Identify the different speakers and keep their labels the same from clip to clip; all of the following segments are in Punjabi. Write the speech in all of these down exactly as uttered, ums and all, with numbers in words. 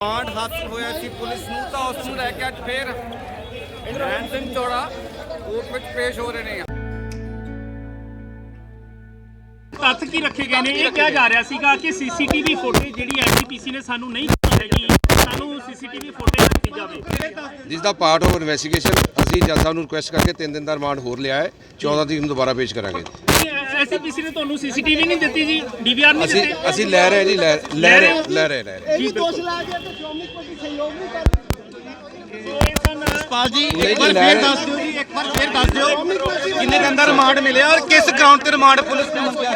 Speaker 1: ਕਾਂਡ ਹਾਦਸਾ ਹੋਇਆ ਸੀ ਪੁਲਿਸ ਨੂੰ ਤਾਂ ਉਸ ਨੂੰ ਲੈ ਕੇ ਅੱਜ ਫੇਰ ਰੈਣ ਸਿੰਘ ਚੌੜਾ ਕੋਰਟ ਵਿੱਚ ਪੇਸ਼ ਹੋ ਰਹੇ ਨੇ।
Speaker 2: ਤੱਥ ਕੀ ਰੱਖੇ ਗਏ ਨੇ? ਇਹ ਕਿਹਾ ਜਾ ਰਿਹਾ ਸੀਗਾ ਕਿ ਸੀਸੀਟੀਵੀ ਫੁਟੇਜ ਜਿਹੜੀ ਐਸਜੀਪੀਸੀ ਨੇ ਸਾਨੂੰ ਨਹੀਂ ਦਿੱਤੀ ਹੈਗੀ, ਸਾਨੂੰ ਸੀਸੀਟੀਵੀ ਫੁਟੇਜ ਦਿੱਤੀ ਜਾਵੇ।
Speaker 3: ਜਿਸ ਦਾ ਪਾਰਟ ਆਫ ਇਨਵੈਸਟੀਗੇਸ਼ਨ ਅਸੀਂ ਜੱਜ ਸਾਹਿਬ ਨੂੰ ਰਿਕੁਐਸਟ ਕਰਕੇ ਤਿੰਨ ਦਿਨ ਦਾ ਰਿਮਾਂਡ ਹੋਰ ਲਿਆ ਹੈ। ਚੌਦਾਂ ਤਰੀਕ ਨੂੰ ਦੁਬਾਰਾ ਪੇਸ਼ ਕਰਾਂਗੇ।
Speaker 2: ਐਸਜੀਪੀਸੀ ਨੇ ਤੁਹਾਨੂੰ ਸੀਸੀਟੀਵੀ ਨਹੀਂ ਦਿੱਤੀ ਜੀ, ਡੀਵੀਆਰ ਨਹੀਂ
Speaker 3: ਅਸੀਂ
Speaker 2: ਦਿੱਤੇ?
Speaker 3: ਅਸੀਂ ਲੈ ਰਹੇ ਜੀ ਲੈ ਲੈ ਰਹੇ ਲੈ ਰਹੇ ਲੈ ਰਹੇ
Speaker 2: ਜੀ ਦੋਸ਼ ਲਾ ਕੇ ਤੇ ਸ਼੍ਰੋਮਣੀ ਕਮੇਟੀ ਸਹਿਯੋਗ ਨਹੀਂ ਕਰ
Speaker 1: ਪਾਲ ਜੀ ਇੱਕ ਵਾਰ ਫੇਰ ਦੱਸ ਦਿਓ ਜੀ ਇੱਕ ਵਾਰ ਫੇਰ ਦੱਸ ਦਿਓ ਕਿੰਨੇ ਦਿਨ ਦਾ ਰਿਮਾਂਡ ਮਿਲਿਆ ਔਰ ਕਿਸ ਗਰਾਊਂਡ ਤੇ ਰਿਮਾਂਡ ਪੁਲਿਸ ਨੇ ਮੰਗਿਆ?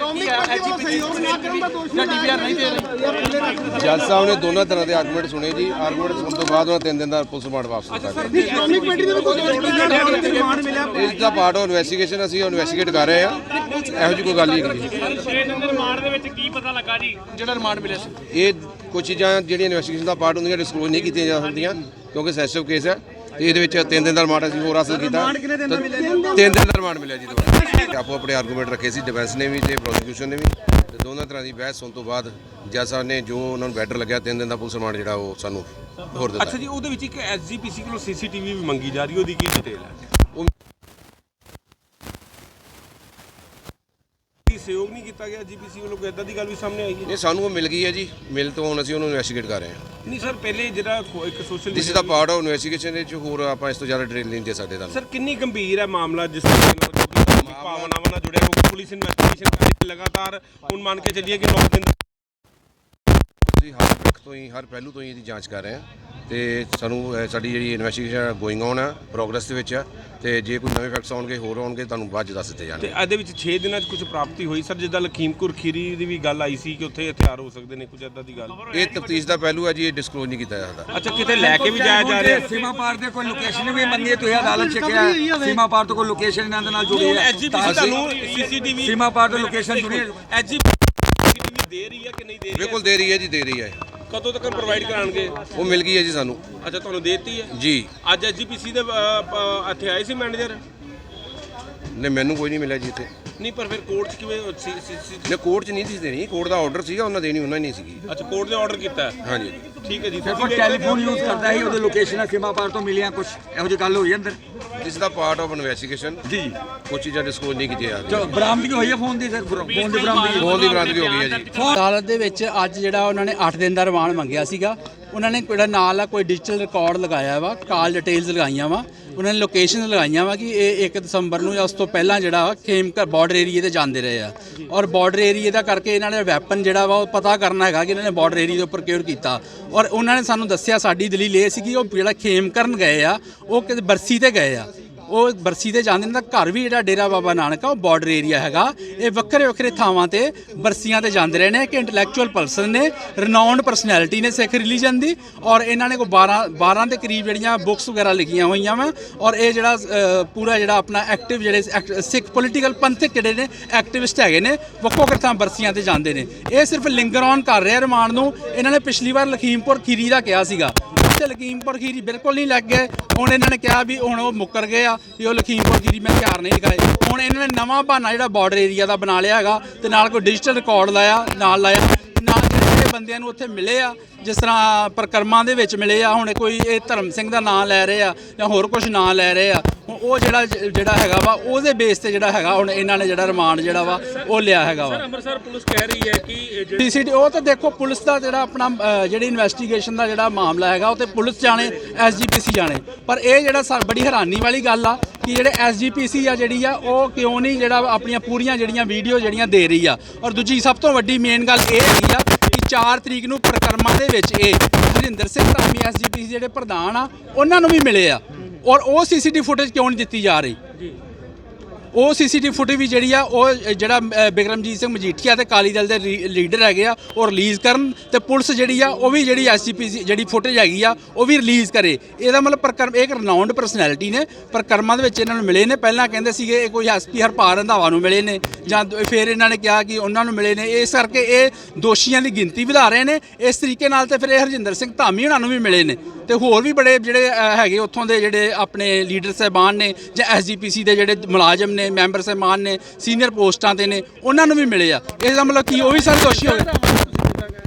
Speaker 3: ਜੱਜ ਸਾਹਿਬ ਨੇ ਦੋਨਾਂ ਤਰ੍ਹਾਂ ਦੇ ਆਰਗੂਮੈਂਟ ਸੁਣੇ ਜੀ। ਆਰਗੂਮੈਂਟ ਸੁਣਨ ਤੋਂ ਬਾਅਦ ਉਹਨਾਂ ਤਿੰਨ ਦਿਨ ਦਾ ਪੁਲਿਸ ਰਿਮਾਂਡ ਵਾਪਸ ਦਿੱਤਾ ਇਸ ਦਾ ਪਾਰਟ ਆਫ ਇਨਵੈਸਟੀਗੇਸ਼ਨ ਅਸੀਂ ਇਨਵੈਸਟੀਗੇਟ ਕਰ ਰਹੇ ਹਾਂ। ਇਹੋ ਜਿਹੀ ਕੋਈ ਗੱਲ ਨਹੀਂ ਹੈਗੀ।
Speaker 2: ਛੇ ਦਿਨ ਦੇ ਰਿਮਾਂਡ ਦੇ ਵਿੱਚ ਕੀ ਪਤਾ ਲੱਗਾ ਜੀ ਜਿਹੜਾ ਰਿਮਾਂਡ ਮਿਲਿਆ ਸੀ?
Speaker 3: ਇਹ ਕੁਝ ਚੀਜ਼ਾਂ ਜਿਹੜੀਆਂ ਇਨਵੈਸਟੀਗੇਸ਼ਨ ਦਾ ਪਾਰਟ ਹੁੰਦੀਆਂ ਡਿਸਕਲੋਜ਼ ਨਹੀਂ ਕੀਤੀਆਂ ਜਾ ਸਕਦੀਆਂ ਕਿਉਂਕਿ ਸੈਂਸਿਟਿਵ ਕੇਸ ਹੈ। ਤੇ ਇਹਦੇ ਵਿੱਚ ਤਿੰਨ ਦਿਨ ਦਾ ਰਿਮਾਂਡ ਅਸੀਂ ਹੋਰ ਹਾਸਲ ਕੀਤਾ। ਤਿੰਨ ਦਿਨ ਦਾ ਰਿਮਾਂਡ ਮਿਲਿਆ ਜੀ ਦੁਬਾਰਾ। ਆਪੋ ਆਪਣੇ ਆਰਗੂਮੈਂਟ ਰੱਖੇ ਸੀ ਡਿਫੈਂਸ ਨੇ ਵੀ ਤੇ ਪ੍ਰੋਸੀਕਿਊਸ਼ਨ ਨੇ ਵੀ, ਤੇ ਦੋਨਾਂ ਤਰ੍ਹਾਂ ਦੀ ਬਹਿਸ ਹੋਣ ਤੋਂ ਬਾਅਦ ਜੱਜ ਸਾਹਿਬ ਨੇ ਜੋ ਉਹਨਾਂ ਨੂੰ ਬੈਟਰ ਲੱਗਿਆ ਤਿੰਨ ਦਿਨ ਦਾ ਪੁਲਿਸ ਰਿਮਾਂਡ ਜਿਹੜਾ ਉਹ ਸਾਨੂੰ ਹੋਰ ਦਿੱਤਾ।
Speaker 4: ਅੱਛਾ ਜੀ, ਉਹਦੇ ਵਿੱਚ ਇੱਕ ਐਸਜੀਪੀਸੀ ਕੋਲੋਂ ਸੀਸੀਟੀਵੀ ਵੀ ਮੰਗੀ ਜਾ ਰਹੀ, ਉਹਦੀ ਕੀ ਡਿਟੇਲ ਹੈ? ਸਹਿਯੋਗ ਨਹੀਂ ਕੀਤਾ ਗਿਆ ਜੀਪੀਸੀ ਵੱਲੋਂ, ਕੋਈ ਇਦਾਂ ਦੀ ਗੱਲ ਵੀ ਸਾਹਮਣੇ ਆਈ ਹੈ?
Speaker 3: ਇਹ ਸਾਨੂੰ ਉਹ ਮਿਲ ਗਈ ਹੈ ਜੀ। ਮਿਲ ਤੋਂ ਹੁਣ ਅਸੀਂ ਉਹਨੂੰ ਇਨਵੈਸਟੀਗੇਟ ਕਰ ਰਹੇ ਹਾਂ।
Speaker 4: ਨਹੀਂ ਸਰ, ਪਹਿਲੇ ਜਿਹੜਾ ਇੱਕ social
Speaker 3: this is the part of investigation ਵਿੱਚ ਹੋਰ ਆਪਾਂ ਇਸ ਤੋਂ ਜ਼ਿਆਦਾ ਡਿਟੇਲ ਨਹੀਂ ਦੇ ਸਕਦੇ ਤੁਹਾਨੂੰ।
Speaker 4: ਸਰ ਕਿੰਨੀ ਗੰਭੀਰ ਹੈ ਮਾਮਲਾ ਜਿਸ ਤਰ੍ਹਾਂ ਨਾਲ ਭਾਵਨਾਵਾਂ ਨਾਲ ਜੁੜਿਆ, ਕਿਉਂਕਿ ਪੁਲਿਸ ਇਨਵੈਸਟੀਗੇਸ਼ਨ ਕਰ ਰਹੀ ਲਗਾਤਾਰ। ਹੁਣ ਮੰਨ ਕੇ ਚੱਲੀਏ ਕਿ ਨੌ ਦਿਨ
Speaker 3: ਅਸੀਂ ਹਰ ਪੱਖ ਤੋਂ ਹੀ ਹਰ ਪਹਿਲੂ ਤੋਂ ਹੀ ਇਹਦੀ ਜਾਂਚ ਕਰ ਰਹੇ ਹਾਂ ਤੇ ਸਾਨੂੰ ਸਾਡੀ ਜਿਹੜੀ ਇਨਵੈਸਟੀਗੇਸ਼ਨ ਗੋਇੰਗ ਔਨ ਹੈ, ਪ੍ਰੋਗਰੈਸ ਦੇ ਵਿੱਚ ਹੈ। ਤੇ ਜੇ ਕੋਈ ਨਵੇਂ ਫੈਕਟਸ ਆਉਣਗੇ ਹੋਰ ਆਉਣਗੇ ਤੁਹਾਨੂੰ ਬਾਅਦ 'ਚ ਦੱਸ ਦਿੱਤੇ ਜਾਣਗੇ।
Speaker 4: ਤੇ ਇਹਦੇ ਵਿੱਚ ਛੇ ਦਿਨਾਂ 'ਚ ਕੁਝ ਪ੍ਰਾਪਤੀ ਹੋਈ ਸਰ? ਜਿੱਦਾਂ ਲਖੀਮਪੁਰ ਖੀਰੀ ਦੀ ਵੀ ਗੱਲ ਆਈ ਸੀ ਕਿ ਉੱਥੇ ਹਥਿਆਰ ਹੋ ਸਕਦੇ ਨੇ, ਕੁਝ ਇਦਾਂ ਦੀ ਗੱਲ?
Speaker 3: ਇਹ ਤਫਤੀਸ਼ ਦਾ ਪਹਿਲੂ ਹੈ ਜੀ, ਇਹ ਡਿਸਕਲੋਜ਼ ਨਹੀਂ ਕੀਤਾ ਜਾ ਸਕਦਾ।
Speaker 4: ਅੱਛਾ, ਕਿਤੇ ਲੈ ਕੇ ਵੀ ਜਾਇਆ ਜਾ ਰਿਹਾ?
Speaker 5: ਸੀਮਾ ਪਾਰ ਦੇ ਕੋਈ ਲੋਕੇਸ਼ਨ ਵੀ ਮੰਗੀ ਤੁਸੀਂ ਅਦਾਲਤ ਚ ਕਿਹਾ ਸੀਮਾ ਪਾਰ ਤੋਂ ਕੋਈ ਲੋਕੇਸ਼ਨ ਇਹਨਾਂ ਦੇ ਨਾਲ ਜੁੜੀ ਹੈ?
Speaker 4: ਐਸਜੀਪੀਸੀ ਤੁਹਾਨੂੰ ਸੀਸੀਟੀਵੀ
Speaker 5: ਸੀਮਾ ਪਾਰ ਤੋਂ ਲੋਕੇਸ਼ਨ ਜੁੜੀ ਹੈ?
Speaker 4: ਐਸਜੀਪੀਸੀ ਦੇ ਰਹੀ ਹੈ ਕਿ ਨਹੀਂ ਦੇ ਰਹੀ?
Speaker 3: ਬਿਲਕੁਲ ਦੇ ਰਹੀ ਹੈ ਜੀ, ਦੇ ਰਹੀ ਹੈ।
Speaker 4: ਕਦੋਂ ਤੱਕ ਪ੍ਰੋਵਾਈਡ ਕਰਾਣਗੇ?
Speaker 3: ਉਹ ਮਿਲ ਗਈ ਹੈ ਜੀ ਸਾਨੂੰ।
Speaker 4: ਅੱਛਾ, ਤੁਹਾਨੂੰ ਦੇਤੀ ਹੈ
Speaker 3: ਜੀ।
Speaker 4: ਅੱਜ ਐਸਜੀਪੀਸੀ ਦੇ ਅ, ਪ, ਇੱਥੇ ਆਏ ਸੀ ਮੈਨੇਜਰ?
Speaker 3: ਨੇ ਮੈਨੂੰ ਕੋਈ ਨਹੀਂ ਮਿਲਿਆ ਜੀ ਇੱਥੇ।
Speaker 4: ਨਹੀਂ, ਪਰ ਫਿਰ ਕੋਰਟ 'ਚ ਕਿਵੇਂ ਸੀ?
Speaker 3: ਨੇ ਕੋਰਟ 'ਚ ਨਹੀਂ ਸੀ ਦੇਣੀ, ਕੋਰਟ ਦਾ ਆਰਡਰ ਸੀਗਾ, ਉਹਨਾਂ ਦੇਣੀ ਉਹਨਾਂ ਨਹੀਂ ਸੀਗੀ।
Speaker 4: ਅੱਛਾ, ਕੋਰਟ ਨੇ ਆਰਡਰ ਕੀਤਾ?
Speaker 3: ਹਾਂਜੀ
Speaker 4: ਠੀਕ ਹੈ ਜੀ।
Speaker 5: ਕੋਈ ਟੈਲੀਫੋਨ ਯੂਜ਼ ਕਰਦਾ ਸੀ, ਉਹਦੇ ਲੋਕੇਸ਼ਨ ਸੀਮਾ ਪਾਰ ਤੋਂ ਮਿਲੀਆਂ, ਕੁਝ ਇਹੋ ਜਿਹੀ ਗੱਲ ਹੋਈ ਅੰਦਰ?
Speaker 3: ਇਸ ਦਾ ਪਾਰਟ ਆਫ ਇਨਵੈਸਟੀਗੇਸ਼ਨ ਜੀ। ਕੁਝ ਚੀਜ਼ਾਂ ਡਿਸਕਲੋਜ਼ ਨਹੀਂ ਕੀਤੀਆਂ ਜਾ ਰਹੀਆਂ।
Speaker 5: ਬਰਾਮਦਗੀ ਹੋਈ ਹੈ ਫੋਨ ਦੀ? ਸਰ ਫੋਨ ਦੀ ਬਰਾਮਦਗੀ
Speaker 3: ਫੋਨ ਦੀ ਬਰਾਮਦਗੀ ਹੋ ਗਈ ਹੈ ਜੀ।
Speaker 6: ਅਦਾਲਤ ਦੇ ਵਿੱਚ ਅੱਜ ਜਿਹੜਾ ਉਹਨਾਂ ਨੇ ਅੱਠ ਦਿਨ ਦਾ ਰਿਮਾਂਡ ਮੰਗਿਆ ਸੀਗਾ, ਉਹਨਾਂ ਨੇ ਜਿਹੜਾ ਨਾਲ ਆ ਕੋਈ ਡਿਜੀਟਲ ਰਿਕਾਰਡ ਲਗਾਇਆ ਵਾ, ਕਾਲ ਡਿਟੇਲਸ ਲਗਾਈਆਂ ਵਾ, ਉਹਨਾਂ ਨੇ ਲੋਕੇਸ਼ਨ ਲਗਾਈਆਂ ਵਾ ਕਿ ਇਹ ਇੱਕ ਦਸੰਬਰ ਨੂੰ ਜਾਂ ਉਸ ਤੋਂ ਪਹਿਲਾਂ ਜਿਹੜਾ ਖੇਮਕਰ ਬਾਰਡਰ ਏਰੀਏ ਤੇ ਜਾਂਦੇ ਰਹੇ ਆ। ਔਰ ਬਾਰਡਰ ਏਰੀਏ ਦਾ ਕਰਕੇ ਇਹਨਾਂ ਨੇ ਵੈਪਨ ਜਿਹੜਾ ਵਾ ਉਹ ਪਤਾ ਕਰਨਾ ਹੈਗਾ ਕਿ ਇਹਨਾਂ ਨੇ ਬਾਰਡਰ ਏਰੀਏ ਦੇ ਉੱਪਰ ਕਿਉਂ ਕੀਤਾ। ਔਰ ਉਹਨਾਂ ਨੇ ਸਾਨੂੰ ਦੱਸਿਆ, ਸਾਡੀ ਦਲੀਲ ਇਹ ਸੀ ਕਿ ਉਹ ਜਿਹੜਾ ਖੇਮਕਰਨ ਗਏ ਆ ਉਹ ਕਿਤੇ ਬਰਸੀ ਤੇ ਗਏ ਆ, ਉਹ ਬਰਸੀ ਤੇ ਜਾਂਦੇ ਨੇ ਤਾਂ ਘਰ ਵੀ ਜਿਹੜਾ ਡੇਰਾ ਬਾਬਾ ਨਾਨਕ ਆ ਉਹ ਬਾਰਡਰ ਏਰੀਆ ਹੈਗਾ। ਇਹ ਵੱਖਰੇ ਵੱਖਰੇ ਥਾਵਾਂ ਤੇ ਬਰਸੀਆਂ ਤੇ ਜਾਂਦੇ ਰਹੇ ਨੇ ਕਿ ਇੰਟੈਲੈਕਚੁਅਲ ਪਰਸਨ ਨੇ, ਰਿਨਾਊਂਡ ਪਰਸਨੈਲਿਟੀ ਨੇ ਸਿੱਖ ਰਿਲੀਜਨ ਦੀ। ਔਰ ਇਹਨਾਂ ਨੇ ਕੋਈ ਬਾਰਾਂ ਬਾਰਾਂ ਦੇ ਕਰੀਬ ਜਿਹੜੀਆਂ ਬੁੱਕਸ ਵਗੈਰਾ ਲਿਖੀਆਂ ਹੋਈਆਂ ਵਾ। ਔਰ ਇਹ ਜਿਹੜਾ ਪੂਰਾ ਜਿਹੜਾ ਆਪਣਾ ਐਕਟਿਵ ਜਿਹੜੇ ਸਿੱਖ ਪੋਲੀਟੀਕਲ ਪੰਥਕ ਜਿਹੜੇ ਨੇ ਐਕਟਿਵਿਸਟ ਹੈਗੇ ਨੇ, ਵੱਖੋ ਵੱਖਰੇ ਥਾਂ ਬਰਸੀਆਂ ਤੇ ਜਾਂਦੇ ਨੇ। ਇਹ ਸਿਰਫ ਲਿੰਗਰ ਔਨ ਕਰ ਰਿਹਾ ਰਿਮਾਂਡ ਨੂੰ। ਇਹਨਾਂ ਨੇ ਪਿਛਲੀ ਵਾਰ ਲਖੀਮਪੁਰ ਖੀਰੀ ਦਾ ਕਿਹਾ ਸੀਗਾ, ਤੇ ਲਖੀਮਪੁਰ ਖੀਰੀ ਬਿਲਕੁਲ ਨਹੀਂ ਲੱਗ ਗਏ। ਹੁਣ ਇਹਨਾਂ ਨੇ ਕਿਹਾ ਵੀ ਹੁਣ ਉਹ ਮੁੱਕਰ ਗਏ ਆ ਵੀ ਉਹ ਲਖੀਮਪੁਰ ਖੀਰੀ ਮੈਂ ਹਥਿਆਰ ਨਹੀਂ ਦਿਖਾਏ। ਹੁਣ ਇਹਨਾਂ ਨੇ ਨਵਾਂ ਬਹਾਨਾ ਜਿਹੜਾ ਬਾਰਡਰ ਏਰੀਆ ਦਾ ਬਣਾ ਲਿਆ ਹੈਗਾ, ਤੇ ਨਾਲ ਕੋਈ ਡਿਜੀਟਲ ਰਿਕਾਰਡ ਲਾਇਆ ਨਾਲ ਲਾਇਆ ਨਾਲ ਜਿਹੜੇ ਬੰਦਿਆਂ ਨੂੰ ਉੱਥੇ ਮਿਲੇ ਆ, ਜਿਸ ਤਰ੍ਹਾਂ ਪ੍ਰਕਰਮਾਂ ਦੇ ਵਿੱਚ ਮਿਲੇ ਆ। ਹੁਣ ਕੋਈ ਇਹ ਧਰਮ ਸਿੰਘ ਦਾ ਨਾਂ ਲੈ ਰਹੇ ਆ ਜਾਂ ਹੋਰ ਕੁਝ ਨਾਂ ਲੈ ਰਹੇ ਆ, ਉਹ ਜਿਹੜਾ ਜਿਹੜਾ ਹੈਗਾ ਵਾ ਉਹਦੇ ਬੇਸ ਤੇ ਜਿਹੜਾ ਹੈਗਾ ਹੁਣ ਇਹਨਾਂ ਨੇ ਜਿਹੜਾ ਰਿਮਾਂਡ ਜਿਹੜਾ ਵਾ ਉਹ ਲਿਆ ਹੈਗਾ ਵਾ।
Speaker 2: ਅੰਮ੍ਰਿਤਸਰ ਪੁਲਿਸ ਕਹਿ ਰਹੀ ਹੈ ਕਿ
Speaker 6: ਸੀਸੀਟੀ ਉਹ ਤਾਂ ਦੇਖੋ ਪੁਲਿਸ ਦਾ ਜਿਹੜਾ ਆਪਣਾ ਜਿਹੜੀ ਇਨਵੈਸਟੀਗੇਸ਼ਨ ਦਾ ਜਿਹੜਾ ਮਾਮਲਾ ਹੈਗਾ ਉਹ ਤੇ ਪੁਲਿਸ ਜਾਣੇ, ਐਸਜੀਪੀਸੀ ਜਾਣੇ। ਪਰ ਇਹ ਜਿਹੜਾ ਬੜੀ ਹੈਰਾਨੀ ਵਾਲੀ ਗੱਲ ਆ ਕਿ ਜਿਹੜੇ ਐਸਜੀਪੀਸੀ ਆ ਜਿਹੜੀ ਆ ਉਹ ਕਿਉਂ ਨਹੀਂ ਜਿਹੜਾ ਆਪਣੀਆਂ ਪੂਰੀਆਂ ਜਿਹੜੀਆਂ ਵੀਡੀਓ ਜਿਹੜੀਆਂ ਦੇ ਰਹੀ ਆ। ਔਰ ਦੂਜੀ ਸਭ ਤੋਂ ਵੱਡੀ ਮੇਨ ਗੱਲ ਇਹ ਹੈਗੀ ਆ ਕਿ ਚਾਰ ਤਰੀਕ ਨੂੰ ਪ੍ਰਕਰਮਾਂ ਦੇ ਵਿੱਚ ਇਹ ਹਰਿੰਦਰ ਸਿੰਘ ਧਾਮੀ ਐਸਜੀਪੀਸੀ ਜਿਹੜੇ ਪ੍ਰਧਾਨ ਆ ਉਹਨਾਂ ਨੂੰ ਵੀ ਮਿਲੇ ਆ। ਔਰ ਉਹ ਸੀਸੀਟੀਵੀ ਫੁਟੇਜ ਕਿਉਂ ਨਹੀਂ ਦਿੱਤੀ ਜਾ ਰਹੀ? ਉਹ ਸੀਸੀਟੀਵੀ ਫੁਟੇਜ ਵੀ ਜਿਹੜੀ ਆ ਉਹ ਜਿਹੜਾ ਬਿਕਰਮਜੀਤ ਸਿੰਘ ਮਜੀਠੀਆ ਤੇ ਅਕਾਲੀ ਦਲ ਦੇ ਲੀਡਰ ਹੈਗੇ ਆ ਉਹ ਰਿਲੀਜ਼ ਕਰਨ, ਤੇ ਪੁਲਿਸ ਜਿਹੜੀ ਆ ਉਹ ਵੀ ਜਿਹੜੀ ਐਸਜੀਪੀਸੀ ਜਿਹੜੀ ਫੁਟੇਜ ਹੈਗੀ ਆ ਉਹ ਵੀ ਰਿਲੀਜ਼ ਕਰੇ। ਇਹਦਾ ਮਤਲਬ ਪ੍ਰਕਰਮ ਇੱਕ ਰਿਨਾਊਂਡ ਪਰਸਨੈਲਿਟੀ ਨੇ, ਪ੍ਰਕਰਮਾਂ ਦੇ ਵਿੱਚ ਇਹਨਾਂ ਨੂੰ ਮਿਲੇ ਨੇ। ਪਹਿਲਾਂ ਕਹਿੰਦੇ ਸੀਗੇ ਇਹ ਕੋਈ ਐਸਪੀ ਹਰਪਾਲ ਰੰਧਾਵਾ ਨੂੰ ਮਿਲੇ ਨੇ, ਜਾਂ ਫਿਰ ਇਹਨਾਂ ਨੇ ਕਿਹਾ ਕਿ ਉਹਨਾਂ ਨੂੰ ਮਿਲੇ ਨੇ। ਇਸ ਕਰਕੇ ਇਹ ਦੋਸ਼ੀਆਂ ਦੀ ਗਿਣਤੀ ਵਧਾ ਰਹੇ ਨੇ। ਇਸ ਤਰੀਕੇ ਨਾਲ ਤੇ ਫਿਰ ਇਹ ਹਰਜਿੰਦਰ ਸਿੰਘ ਧਾਮੀ ਉਹਨਾਂ ਨੂੰ ਵੀ ਮਿਲੇ ਨੇ, ਤੇ ਹੋਰ ਵੀ ਬੜੇ ਜਿਹੜੇ ਹੈਗੇ ਉੱਥੋਂ ਦੇ ਜਿਹੜੇ ਆਪਣੇ ਲੀਡਰ ਸਾਹਿਬਾਨ ਨੇ ਜਾਂ ਐਸਜੀਪੀਸੀ ਦੇ ਜਿਹੜੇ ਮੁਲਾਜ਼ਮ ਨੇ, ਮੈਂਬਰ ਸਾਹਿਬਾਨ ਨੇ, ਸੀਨੀਅਰ ਪੋਸਟਾਂ ਤੇ ਨੇ, ਉਹਨਾਂ ਨੂੰ ਵੀ ਮਿਲੇ ਆ। ਇਸ ਦਾ ਮਤਲਬ ਕੀ ਉਹ ਵੀ ਸਾਰੇ ਦੋਸ਼ੀ ਹੋ ਗਏ?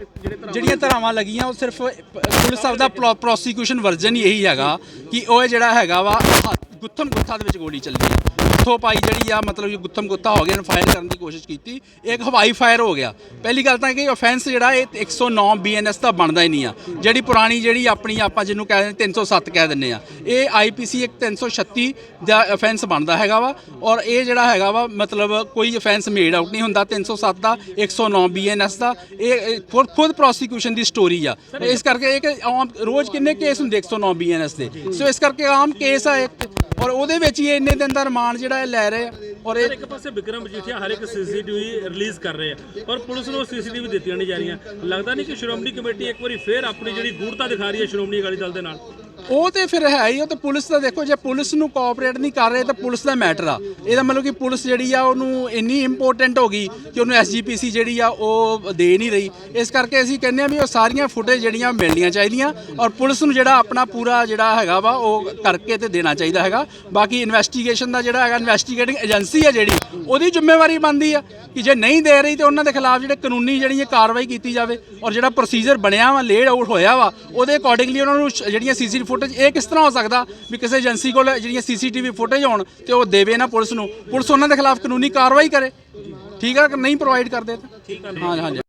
Speaker 6: ਜਿਹੜੀਆਂ ਧਾਰਾਵਾਂ ਲੱਗੀਆਂ ਉਹ ਸਿਰਫ ਪੁਲਿਸ ਸਾਹਿਬ ਦਾ ਪ੍ਰੋਸੀਕਿਊਸ਼ਨ ਵਰਜ਼ਨ ਹੀ ਇਹੀ ਹੈਗਾ ਕਿ ਉਹ ਜਿਹੜਾ ਹੈਗਾ ਵਾ ਗੁੱਥਮ ਗੁੱਥਾ ਦੇ ਵਿੱਚ ਗੋਲੀ ਚੱਲੀ ਆ, ਗੁੱਥੋ ਪਾਈ ਜਿਹੜੀ ਆ, ਮਤਲਬ ਗੁੱਥਮ ਗੁੱਥਾ ਹੋ ਗਿਆ, ਇਹਨੂੰ ਫਾਇਰ ਕਰਨ ਦੀ ਕੋਸ਼ਿਸ਼ ਕੀਤੀ, ਇੱਕ ਹਵਾਈ ਫਾਇਰ ਹੋ ਗਿਆ। ਪਹਿਲੀ ਗੱਲ ਤਾਂ ਕਿ ਆਫੈਂਸ ਜਿਹੜਾ ਇਹ ਇੱਕ ਸੌ ਨੌ ਬੀ ਐਨ ਐਸ ਦਾ ਬਣਦਾ ਹੀ ਨਹੀਂ ਆ, ਜਿਹੜੀ ਪੁਰਾਣੀ ਜਿਹੜੀ ਆਪਣੀ ਆਪਾਂ ਜਿਹਨੂੰ ਕਹਿ ਦਿੰਦੇ ਤਿੰਨ ਸੌ ਸੱਤ ਕਹਿ ਦਿੰਦੇ ਆ, ਇਹ ਆਈ ਪੀ ਸੀ ਇੱਕ ਤਿੰਨ ਸੌ ਛੱਤੀ ਦਾ ਆਫੈਂਸ ਬਣਦਾ ਹੈਗਾ ਵਾ, ਔਰ ਇਹ ਜਿਹੜਾ ਹੈਗਾ ਵਾ ਮਤਲਬ ਕੋਈ ਆਫੈਂਸ ਮੇਡ ਆਊਟ ਨਹੀਂ ਹੁੰਦਾ ਤਿੰਨ ਸੌ ਸੱਤ ਦਾ, ਇੱਕ ਸੌ ਨੌ ਬੀ ਐਨ ਐਸ ਦਾ, ਇਹ ਖੁਦ ਖੁਦ ਪ੍ਰੋਸੀਕਿਊਸ਼ਨ ਦੀ ਸਟੋਰੀ ਆ। ਇਸ ਕਰਕੇ ਇੱਕ ਆਮ ਰੋਜ਼ ਕਿੰਨੇ ਕੇਸ ਹੁੰਦੇ ਇੱਕ ਸੌ ਨੌ ਬੀ ਐਨ ਐਸ ਦੇ, ਸੋ ਇਸ ਕਰਕੇ ਆਮ ਕੇਸ ਆ ਇੱਕ, ਔਰ ਉਹਦੇ ਵਿੱਚ ਹੀ ਇੰਨੇ ਦਿਨ ਦਾ ਰਿਮਾਂਡ ਜਿਹੜਾ ਇਹ ਲੈ ਰਹੇ ਆ। ਔਰ ਇਹ
Speaker 2: ਇੱਕ ਪਾਸੇ ਵਿਕਰਮ ਮਜੀਠੀਆ ਹਰ ਇੱਕ ਸੀਸੀਟੀਵੀ ਰਿਲੀਜ਼ ਕਰ ਰਹੇ ਆ, ਪਰ ਪੁਲਿਸ ਨੂੰ ਸੀਸੀਟੀਵੀ ਦਿੱਤੀਆਂ ਨਹੀਂ ਜਾ ਰਹੀਆਂ। ਲੱਗਦਾ ਨਹੀਂ ਕਿ ਸ਼੍ਰੋਮਣੀ ਕਮੇਟੀ ਇੱਕ ਵਾਰੀ ਫੇਰ ਆਪਣੀ ਜਿਹੜੀ ਗੂੜਤਾ ਦਿਖਾ ਰਹੀ ਹੈ ਸ਼੍ਰੋਮਣੀ ਅਕਾਲੀ ਦਲ ਦੇ ਨਾਲ?
Speaker 6: ਉਹ ਤੇ ਫਿਰ ਹੈ ਹੀ, ਉਹ ਤੇ ਪੁਲਿਸ ਦਾ ਦੇਖੋ, ਜੇ ਪੁਲਿਸ ਨੂੰ ਕੋਆਪਰੇਟ ਨਹੀਂ ਕਰ ਰਹੇ ਤਾਂ ਪੁਲਿਸ ਦਾ ਮੈਟਰ ਆ। ਇਹਦਾ ਮਤਲਬ ਕਿ ਪੁਲਿਸ ਜਿਹੜੀ ਆ ਉਹਨੂੰ ਇੰਨੀ ਇੰਪੋਰਟੈਂਟ ਹੋ ਗਈ ਕਿ ਉਹਨੂੰ ਐਸ ਜੀ ਪੀ ਸੀ ਜਿਹੜੀ ਆ ਉਹ ਦੇ ਨਹੀਂ ਰਹੀ। ਇਸ ਕਰਕੇ ਅਸੀਂ ਕਹਿੰਦੇ ਆ ਵੀ ਉਹ ਸਾਰੀਆਂ ਫੁਟੇਜ ਜਿਹੜੀਆਂ ਮਿਲਣੀਆਂ ਚਾਹੀਦੀਆਂ, ਔਰ ਪੁਲਿਸ ਨੂੰ ਜਿਹੜਾ ਆਪਣਾ ਪੂਰਾ ਜਿਹੜਾ ਹੈਗਾ ਵਾ ਉਹ ਕਰਕੇ ਤੇ ਦੇਣਾ ਚਾਹੀਦਾ ਹੈਗਾ। ਬਾਕੀ ਇਨਵੈਸਟੀਗੇਸ਼ਨ ਦਾ ਜਿਹੜਾ ਹੈਗਾ, ਇਨਵੈਸਟੀਗੇਟਿੰਗ ਏਜੰਸੀ ਆ ਜਿਹੜੀ, ਉਹਦੀ ਜ਼ਿੰਮੇਵਾਰੀ ਬਣਦੀ ਆ ਕਿ ਜੇ ਨਹੀਂ ਦੇ ਰਹੀ ਤੇ ਉਹਨਾਂ ਦੇ ਖਿਲਾਫ ਜਿਹੜੇ ਕਾਨੂੰਨੀ ਜਿਹੜੀ ਕਾਰਵਾਈ ਕੀਤੀ ਜਾਵੇ, ਔਰ ਜਿਹੜਾ ਪ੍ਰੋਸੀਜਰ ਬਣਿਆ ਵਾ, ਲੇਡ ਆਊਟ ਹੋਇਆ ਵਾ, ਉਹਦੇ ਅਕੋਰਡਿੰਗਲੀ ਉਹਨਾਂ ਨੂੰ ਜਿਹੜੀਆਂ ਸੀਸੀਟੀਵੀ ਫੁਟੇਜ, ਇਹ ਕਿਸ ਤਰ੍ਹਾਂ ਹੋ ਸਕਦਾ ਵੀ ਕਿਸੇ ਏਜੰਸੀ ਕੋਲ ਜਿਹੜੀਆਂ ਸੀਸੀਟੀਵੀ ਫੁਟੇਜ ਹੋਣ ਤੇ ਉਹ ਦੇਵੇ ਨਾ ਪੁਲਿਸ ਨੂੰ, ਪੁਲਿਸ ਉਹਨਾਂ ਦੇ ਖਿਲਾਫ ਕਾਨੂੰਨੀ ਕਾਰਵਾਈ ਕਰੇ, ਠੀਕ ਆ, ਨਹੀਂ ਪ੍ਰੋਵਾਈਡ ਕਰਦੇ ਤਾਂ। ਹਾਂ ਹਾਂਜੀ।